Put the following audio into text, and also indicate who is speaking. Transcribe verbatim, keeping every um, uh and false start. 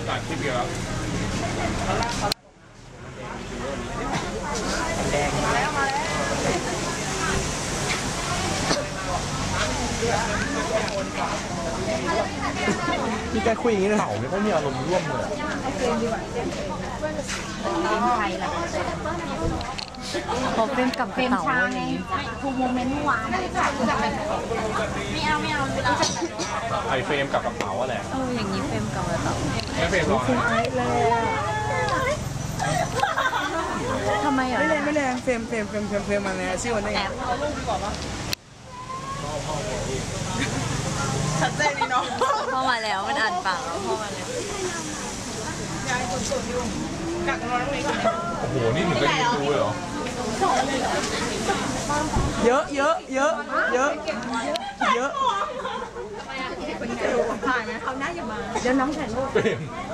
Speaker 1: ตัดคลิปเดียวแล้ว
Speaker 2: แดงมาแล้วมาแล้วมีการคุยอย่างนี้เลยเต่าไม่ค่อยมีอารมณ์ร่วมเลยเฟรมดีกว่าเฟรมไทยล่ะ
Speaker 3: พอเฟรมกับ
Speaker 4: เฟรมช้าไงทูโมเมนต์เมื่อวานไม่เอาไม่เอาไม่เอา
Speaker 1: ไอเฟรมกับกระเป๋าอะไร
Speaker 3: เอออย่างนี้เฟรมกับกระเป๋า
Speaker 1: ไม่เฟรมหรอก
Speaker 3: ทำไมอ่ะ
Speaker 2: ไม่แรงไม่แรงเฟรมเฟรมเฟรมเฟรมเฟรมมาเนี่ยชื่อมันได้ไง
Speaker 4: เอาลูกดีกว่าปะชัดเจนดีเนาะ
Speaker 3: พ่อมาแล้วมันอ่านปากแล้วพ่อมาแล้ว
Speaker 4: ยายสุดๆอยู่กักนอนตรงนี้ก่อน
Speaker 1: โอ้โหนี่ถึงได้ดูเลยเหรอ
Speaker 2: เยอะเยอะเยอะเยอะเยอะ
Speaker 4: ถ่ายไหมเขาหน้าอย่ามาเดี๋ยวน้องถ่ายรูป